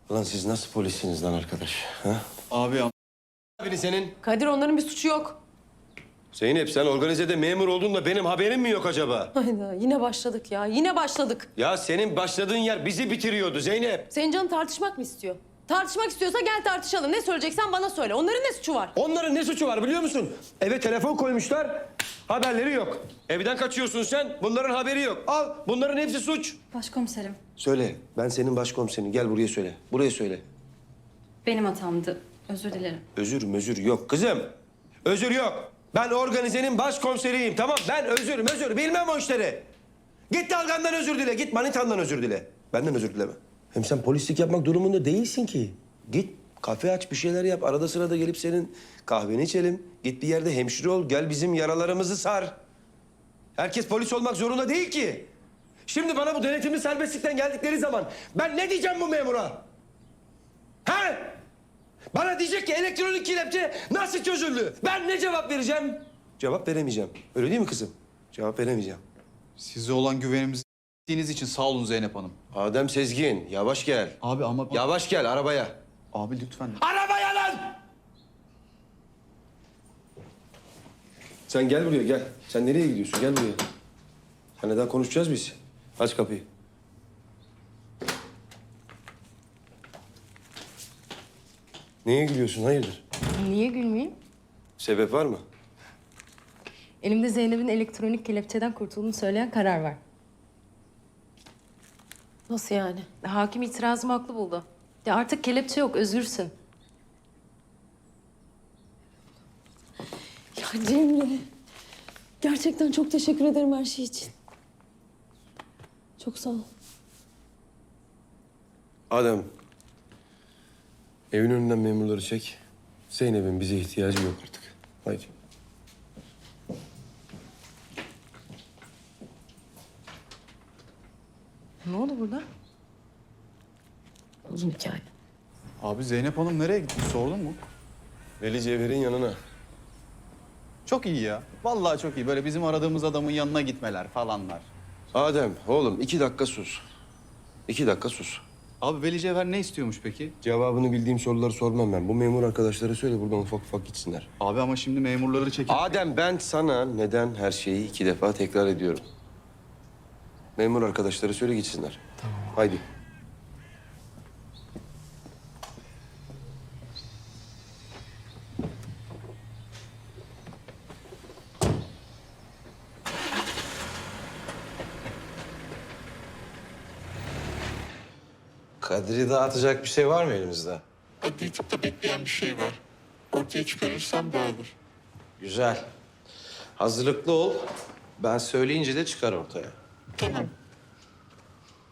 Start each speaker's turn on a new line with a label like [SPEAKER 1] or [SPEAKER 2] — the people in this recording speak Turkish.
[SPEAKER 1] Ulan siz nasıl polissiniz lan arkadaş? Ha?
[SPEAKER 2] Abi
[SPEAKER 1] Biri senin.
[SPEAKER 3] Kadir onların bir suçu yok.
[SPEAKER 1] Zeynep sen organizede memur oldun da benim haberim mi yok acaba?
[SPEAKER 3] Hayda yine başladık ya. Yine başladık.
[SPEAKER 1] Ya senin başladığın yer bizi bitiriyordu Zeynep.
[SPEAKER 3] Senin canın tartışmak mı istiyor? Tartışmak istiyorsa gel tartışalım. Ne söyleyeceksen bana söyle. Onların ne suçu var?
[SPEAKER 1] Onların ne suçu var biliyor musun? Eve telefon koymuşlar, haberleri yok. Evden kaçıyorsun sen, bunların haberi yok. Al, bunların hepsi suç.
[SPEAKER 4] Başkomiserim,
[SPEAKER 1] Söyle, ben senin başkomiserin. Gel buraya söyle. Buraya söyle.
[SPEAKER 4] benim hatamdı. Özür dilerim.
[SPEAKER 1] Özür yok kızım. Özür yok. Ben organizenin başkomiseriyim, tamam? Ben özür bilmem o işleri. Git Dalgan'dan özür dile, git Manitan'dan özür dile. Benden özür dileme. Hem sen polislik yapmak durumunda değilsin ki. Git kafe aç, bir şeyler yap. Arada sırada gelip senin kahveni içelim. Git bir yerde hemşire ol, gel bizim yaralarımızı sar. Herkes polis olmak zorunda değil ki. Şimdi bana bu denetimli serbestlikten geldikleri zaman ben ne diyeceğim bu memura? He? Bana diyecek ki elektronik kelepçe nasıl çözüldü? Ben ne cevap vereceğim? Cevap veremeyeceğim. Öyle değil mi kızım? Cevap veremeyeceğim.
[SPEAKER 2] size olan güvenimizi ettiğiniz için sağ olun Zeynep Hanım.
[SPEAKER 1] Adem Sezgin, yavaş gel.
[SPEAKER 2] Abi ama...
[SPEAKER 1] Yavaş gel arabaya.
[SPEAKER 2] Abi lütfen.
[SPEAKER 1] Arabaya lan! Sen gel buraya gel. Sen nereye gidiyorsun? Gel buraya. Seninle daha konuşacağız biz. Aç kapıyı. Neye gülüyorsun? Hayırdır?
[SPEAKER 3] Niye gülmeyeyim?
[SPEAKER 1] Sebep var mı?
[SPEAKER 3] Elimde Zeynep'in elektronik kelepçeden kurtulduğunu söyleyen karar var. Nasıl yani? Hakim itirazımı haklı buldu. Ya artık kelepçe yok, özgürsün.
[SPEAKER 5] Ya Cemre, gerçekten çok teşekkür ederim her şey için. Çok sağ ol.
[SPEAKER 1] Adem, evin önünden memurları çek. Zeynep'in bize ihtiyacı yok artık. Haydi.
[SPEAKER 3] Ne oldu burada?
[SPEAKER 5] Uzun hikaye.
[SPEAKER 2] Abi Zeynep Hanım nereye gitti sordun mu?
[SPEAKER 1] Veli Cevher'in yanına.
[SPEAKER 2] Çok iyi ya. Vallahi çok iyi. Böyle bizim aradığımız adamın yanına gitmeler falanlar.
[SPEAKER 1] Adem, oğlum 2 dakika sus. 2 dakika sus.
[SPEAKER 2] Abi Veli Cevher ne istiyormuş peki?
[SPEAKER 1] Cevabını bildiğim soruları sormam ben. Bu memur arkadaşlara söyle buradan ufak ufak gitsinler.
[SPEAKER 2] Abi ama şimdi memurları çekip...
[SPEAKER 1] Adem ben sana neden her şeyi 2 defa tekrar ediyorum. Memur arkadaşlara söyle gitsinler. Tamam. Haydi.
[SPEAKER 6] Kadir'i dağıtacak bir şey var mı elimizde?
[SPEAKER 7] Adli tıpta bekleyen bir şey var. Ortaya çıkarırsam dağılır.
[SPEAKER 6] Güzel. Hazırlıklı ol. Ben söyleyince de çıkar ortaya.
[SPEAKER 7] Tamam.